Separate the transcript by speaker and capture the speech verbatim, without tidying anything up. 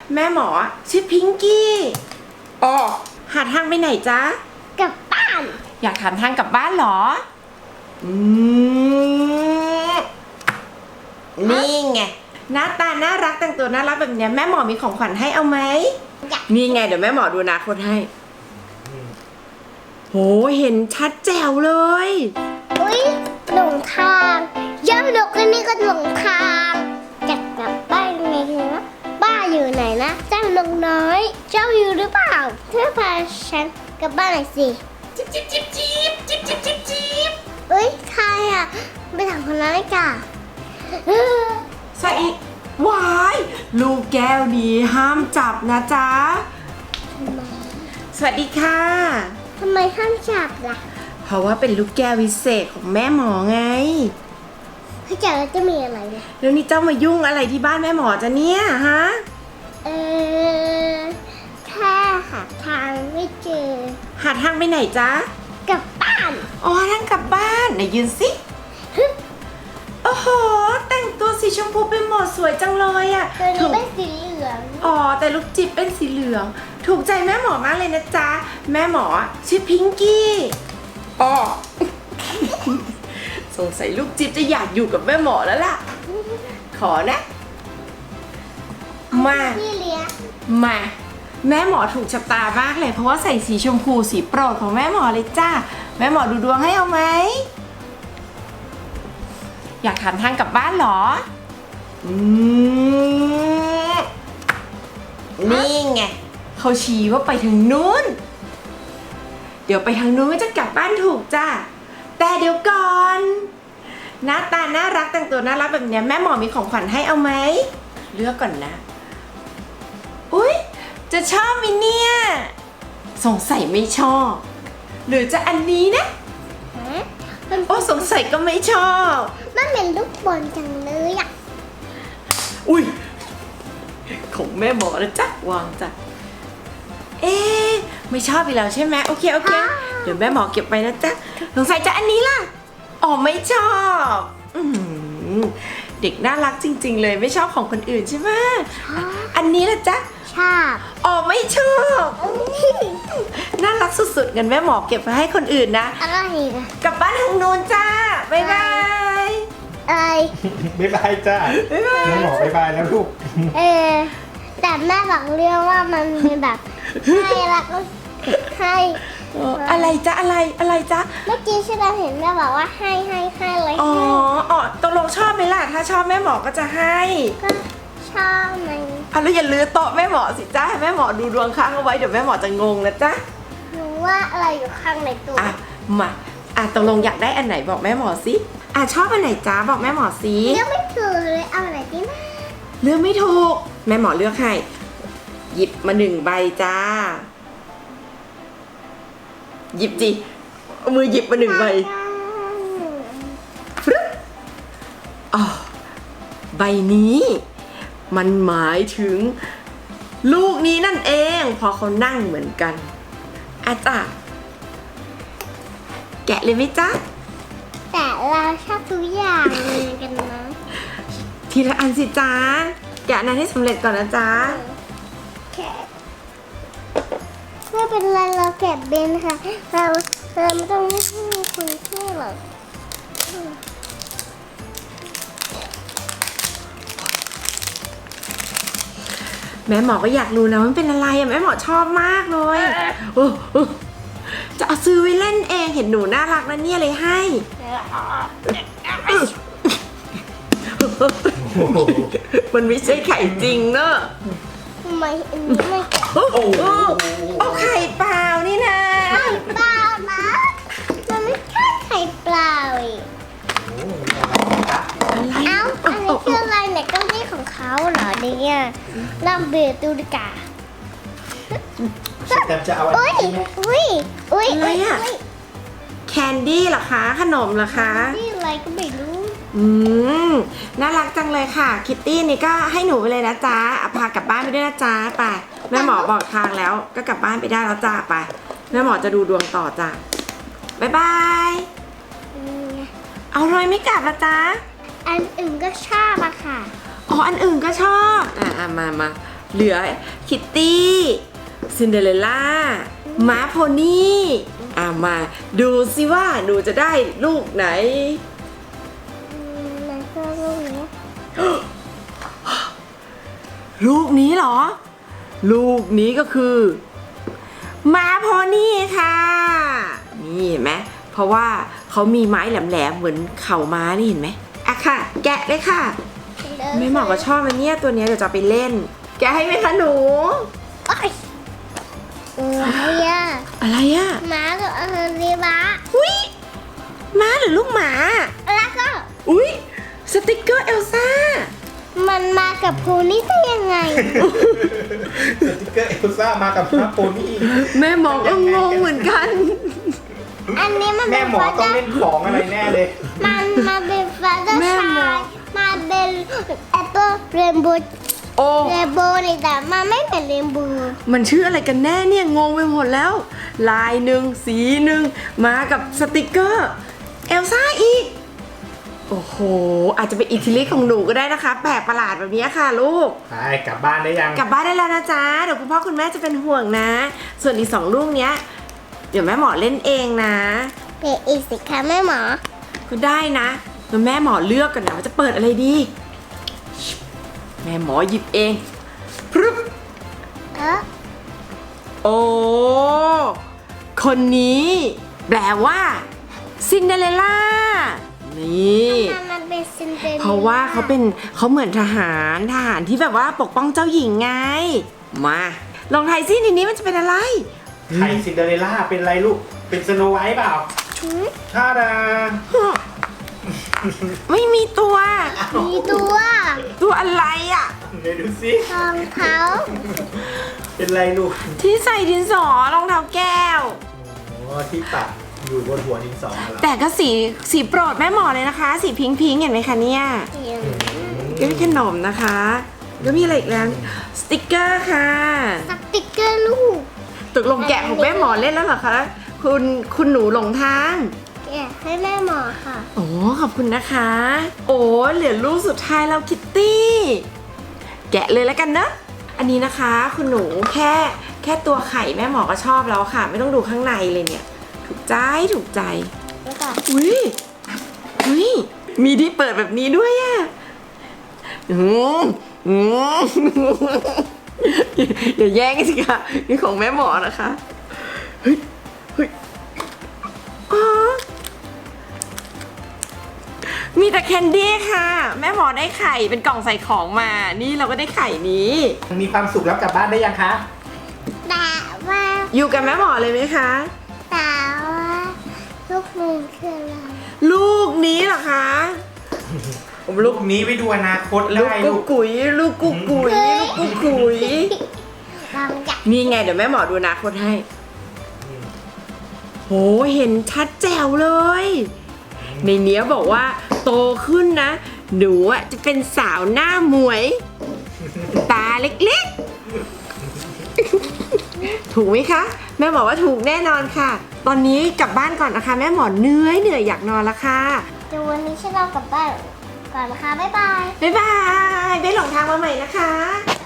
Speaker 1: แม่หมอชื่อพิงกี้อ๋อหาทางไปไหนจ๊ะ
Speaker 2: กลับบ้าน
Speaker 1: อยากถามทางกลับบ้านเหรออืมนี่ไงหน้าตาน่ารักแต่งตัวน่ารักแบบเนี้ยแม่หมอมีของขวัญให้เอาไหมนี่ไงเดี๋ยวแม่หมอดูอนาคตให้โหเห็นชัดแจ๋วเลย
Speaker 2: อุ้ยหลงทางเจ้าหนกอันนี้ก็หลงทางจะกลับบ้านไงนะบ้านอยู่ไหนนะเจ้าหนกน้อยเจ้าอยู่หรือเปล่าเธอพาฉันกลับบ้านหน่อยสิ
Speaker 1: จิ๊บจิ๊บจิ๊บจิ๊บจิ๊บจิ๊บจิ๊บจิ๊บ
Speaker 2: เอ้ยใครอ่ะไปถามคนนั้นเลยจ้ะ
Speaker 1: สวัสดีวายลูกแก้วนี้ห้ามจับนะจ๊ะสวัสดีค่ะ
Speaker 2: ทำไมห้ามจับล่ะ
Speaker 1: เพราะว่าเป็นลูกแก้ววิเศษของแม่หมอไง
Speaker 2: ถ้าจับแล้วจะมีอะไรเนี่ย
Speaker 1: แล้วนี่เจ้ามายุ่งอะไรที่บ้านแม่หมอจะเนี่ยฮะ
Speaker 2: เออแค่หาทางไม่เจอ
Speaker 1: หาทางไปไหนจ๊ะ
Speaker 2: กลับบ้าน
Speaker 1: อ๋อทางกลับบ้านไหนยืนสิโอ้โหแต่งตัวสีชมพูเป็นหมอสวยจังเลยอ่ะ
Speaker 2: ถูกเป็นสีเหลือง
Speaker 1: อ๋อแต่ลูกจิ๊บเป็นสีเหลืองถูกใจแม่หมอมากเลยนะจ๊ะแม่หมอชื่อพิงกี้อ๋อสงสัยลูกจิ๊บจะอยากอยู่กับแม่หมอแล้วล่ะขอนะมา
Speaker 2: พี่เลี้ยง
Speaker 1: มาแม่หมอถูกชะตามากเลยเพราะว่าใส่สีชมพูสีโปรดของแม่หมอเลยจ้าแม่หมอดูดวงให้เอาไหมอยากถามทางกลับบ้านเหรออืมนี่ไงเขาชี้ว่าไปทางนู้นเดี๋ยวไปทางนู้นจะกลับบ้านถูกจ้าแต่เดี๋ยวก่อนหน้าตาน่ารักแต่งตัวน่ารักแบบนี้แม่หมอมีของขวัญให้เอาไหมเลือกก่อนนะอุ๊ยจะชอบมิเนี่ยสงสัยไม่ชอบหรือจะอันนี้นะโอ้สงสัยก็ไม่ชอบ
Speaker 2: มันเป็นลูกบอลจังเลยอ่ะ
Speaker 1: อุ้ยของแม่หมอนะจ๊ะวางจ้ะเอ๊ะไม่ชอบอีกแล้วใช่ไหมโอเคโอเคเดี๋ยวแม่หมอเก็บไปนะจ๊ะสงสัยจะอันนี้ล่ะอ๋อไม่ชอบอืมเด็กน่ารักจริงๆเลยไม่ชอบของคนอื่นใช่ไหมอันนี้ล่ะจ๊ะ
Speaker 2: ชอบ
Speaker 1: อ๋อไม่ชอบน่ารักสุดๆงั้นแม่หมอเก็บไปให้คนอื่นนะ
Speaker 2: อะไรกัน
Speaker 1: กลับบ้านทางโน้นจ้าบ๊ายบาย
Speaker 2: อะไร
Speaker 3: บ๊ายบายจ้าแม่หมอบ๊ายบายแล้วลูก
Speaker 2: เออแต่แม่บอกเรื่องว่ามันมีแบบให้แล้วก็ให้
Speaker 1: อะไรจ๊ะอะไรอะไรจ๊ะ
Speaker 2: เมื่อกี้ฉันเห็นแม่บอกว่าให้ให้ให้เลย
Speaker 1: อ๋ออ๋อตกลงชอบไหมล่ะถ้าชอบแม่หมอก็จะให้
Speaker 2: ก็ชอบมัน
Speaker 1: อ่ะแล้วอย่าลือโต๊ะแม่หมอสิจ้าให้แม่หมอดูดวงค้างเอาไว้เดี๋ยวแม่หมอจะงงนะจ๊ะ
Speaker 2: รู้ว่าอะไรอยู่ข้างในตัว
Speaker 1: อ่ะมาอ่ะตกลงอยากได้อันไหนบอกแม่หมอสิอ่ะชอบอันไหนจ้าบอกแม่หมอสิ
Speaker 2: เลือกไม่ถูกเลยเอาอะไรดีนะ
Speaker 1: เลือกไม่ถูกแม่หมอเลือกให้หยิบมาหนึ่งใบจ้าหยิบจิเอามือหยิบมาหนึ่งใบฟรึ๊บอ๋อใบนี้มันหมายถึงลูกนี้นั่นเองพอเขานั่งเหมือนกันอาจ้ะแกะเลยไหมจ๊ะ
Speaker 2: แต่เราชอบทุกอย่างเลยกันนะ
Speaker 1: ทีละอันสิจ๊ะแกะนั้นให้สำเร็จก่อนนะจ๊ะ
Speaker 2: แกะไม่เป็นไรเราแกะเป็นค่ะเราเราไม่ต้องให้คุณช่วยหรอก
Speaker 1: แม่หมอก็อยากรู้นะมันเป็นอะไรอะแม่หมอชอบมากเลยจะเอาซื้อไว้เล่นเองเห็นหนูน่ารักนะเนี่ยเลยให้มันไม่ใช่ไข่จริงเนอะ
Speaker 2: ทำไมอันนี้ไม่แกะ
Speaker 1: โอ้โหเอาไข่เปล่านี่นะ
Speaker 2: ไข่เปล่านะมันไม่ใช่ไข่เปล่าอีกเอ้าอันนี้คืออะไรเนี่ยเก้าอี้ของเขาเหรอเนี่ยลองเบียร์ตูดิกา
Speaker 3: แต่จะเอาอะไร
Speaker 2: อุ้ยอุ้ยอุ้ย
Speaker 1: อะไรอะแคนดี้เหรอคะขนมเหรอคะ
Speaker 2: นี่อะไรก็ไม่รู้
Speaker 1: อืมน่ารักจังเลยค่ะคิตตี้นี่ก็ให้หนูไปเลยนะจ๊ะพากลับบ้านไปด้วยนะจ๊ะไปแม่หมอบอกทางแล้วก็กลับบ้านไปได้แล้วจ้าไปแม่หมอจะดูดวงต่อจ้ะบ๊ายบายเอาเลยไม่กลับละจ๊ะ
Speaker 2: อันอื่นก็ชอบอะค่ะ
Speaker 1: อ๋ออันอื่นก็ชอบอ่ะมามาเหลือคิตตี้ซินเดอเรลล่าม้าโพนี่อ่ะมาดูสิว่าหนูจะได้ลูกไหน
Speaker 2: อืมมันก็ลูกนี้
Speaker 1: ลูกนี้เหรอ ลูกนี้ก็คือม้าโพนี่ค่ะ นี่เห็นไหมเพราะว่าเขามีไม้แหลมๆเหมือนเข่าม้านี่เห็นไหมอ่ะค่ะ แกะเลยค่ะไม่เหมาะกับชอบมันเนี่ยตัวเนี้ยเดี๋ยวจะเอาไปเล่น แกะให้ไหมคะหนู
Speaker 2: โอ๊ยอะไรอ่ะ
Speaker 1: อะไรอะ
Speaker 2: หมากับอาหารดีบ้า
Speaker 1: อุ้ยม้าหรือลูกหมา
Speaker 2: แล้วก็
Speaker 1: อุ้ยสติกเกอร์เอลซ่า
Speaker 2: มันมากับภูนี่ได้ยังไง
Speaker 3: สติกเกอร์เอลซ่ามากับม้าโพนี่
Speaker 1: แม่หมอก็งงเหมือนกัน
Speaker 2: อันนี้มัน
Speaker 3: แม่
Speaker 2: เป็น
Speaker 3: หมอต้องเล่นของอะไรแน่เลย
Speaker 2: มันมาเป็นฟ้าเดอร์
Speaker 1: แม่
Speaker 2: ชา
Speaker 1: หมอ
Speaker 2: ยมาเป็นแอปเปิลเรนโบว์
Speaker 1: โอ้
Speaker 2: เรนโบว์นี่แต่มันไม่เป็นเรนโบว์
Speaker 1: มันชื่ออะไรกันแน่เนี่ยงงไปหมดแล้ว ลายหนึ่งสีหนึ่งมากับสติกเกอร์เอลซ่าอีก โอ้โห อาจจะเป็นอิทธิฤทธิ์ของหนูก็ได้นะคะแปลกประหลาดแบบนี้ค่ะลูก
Speaker 3: ไปกลับบ้านได้ยัง
Speaker 1: กลับบ้านได้แล้วนะจ๊ะ เดี๋ยวคุณพ่อคุณแม่จะเป็นห่วงนะ ส่วนอีกสองลูกเนี้ย เดี๋ยวแม่หมอเล่นเองนะ
Speaker 2: เปิดอีกสิคะแม่หมอ
Speaker 1: ก็ได้นะแล้วแม่หมอเลือกกันนะว่าจะเปิดอะไรดี แม่หมอหยิบเองพรึบ
Speaker 2: เออ
Speaker 1: โอ้ คนนี้ แปลว่าซินเดอเรลล่า นี่
Speaker 2: ทำไมมันเป็นซินเดอเรลล่า
Speaker 1: เพราะว่าเขาเป็นเขาเหมือนทหารทหารที่แบบว่าปกป้องเจ้าหญิงไง มา ลองทายซิในนี้มันจะเป็นอะไร
Speaker 3: ใครซินเดอเรลล่าเป็นอะไรลูก เป็นสโนไวท์เปล่า
Speaker 2: หืม
Speaker 3: ท่าดา
Speaker 1: ไม่มีตัว
Speaker 2: มีตัว
Speaker 1: ตัวอะไรอ่ะ
Speaker 3: เดี๋ยวดูสิ
Speaker 2: รองเท้า
Speaker 3: เป็นไรลูก
Speaker 1: ที่ใส่ดินสอรองเท้าแก้ว
Speaker 3: โอ้ที่ตัดอยู่บนหัวดินสอเหรอ
Speaker 1: แต่ก็สีสีโปรดแม่หมอเลยนะคะ สีพิงพิงๆเห็นไหมคะเนี่ยก็มีขนมนะคะแล้วมีอะไรอีกแล้วสติกเกอร์ค่ะ
Speaker 2: สติกเกอร์ลูก
Speaker 1: ตกลงแกะของแม่หมอเล่นแล้วเหรอคะคุณคุณหนูหลงทาง
Speaker 2: แกะให้แม่หมอค่ะ
Speaker 1: โอ้ขอบคุณนะคะ โอ้เหลือลูกสุดท้ายแล้วคิตตี้แกะเลยแล้วกันนะอันนี้นะคะคุณหนูแค่แค่ตัวไข่แม่หมอก็ชอบแล้วค่ะ ไม่ต้องดูข้างในเลยเนี่ย ถูกใจถูกใจ
Speaker 2: แล้วก็
Speaker 1: อุ้ยอุ้ยมีที่เปิดแบบนี้ด้วยอ่ะอืมอืมอย่าแย่งสิคะนี่ของแม่หมอนะคะเฮ้ยเฮ้ยอ๋อมีแต่แคนดี้ค่ะ แม่หมอได้ไข่เป็นกล่องใส่ของมา นี่เราก็ได้ไข่นี้
Speaker 3: มีความสุขแล้วกลับบ้านได้ยังคะ
Speaker 2: แต่ว่า
Speaker 1: อยู่กับแม่หมอเลยไหมคะ
Speaker 2: แต่ว่าลูกมือคืออะไร
Speaker 1: ลูกนี้เหรอคะผม
Speaker 3: ลู
Speaker 1: ลู
Speaker 3: ก
Speaker 1: ก
Speaker 3: นี้ไปดูอนาคต
Speaker 1: ลู
Speaker 3: ได้
Speaker 1: กกุ๊
Speaker 3: ลู
Speaker 1: ก
Speaker 3: ก
Speaker 1: กุ๋ยลูกกุ๊กกุ๋ยลูกกุ๊กกุ๋ย
Speaker 2: ลองจับ
Speaker 1: นี่ไงเดี๋ยวแม่หมอดูอนาคตให้โหเห็นชัดแจ๋วเลย ในเนี้ยบอกว่าโตขึ้นนะ หนูอ่ะจะเป็นสาวหน้าหมวย ตาเล็กๆ ถูกไหมคะ แม่หมอว่าถูกแน่นอนค่ะ ตอนนี้กลับบ้านก่อนนะคะ แม่หมอเหนื่อยเหนื่อยอยากนอนแล้วค่ะ
Speaker 2: เดี๋ยววันนี้ฉันเรากลับบ้านก่อนนะคะ บ๊ายบาย
Speaker 1: บ๊ายบายไปหลงทางมาใหม่นะคะ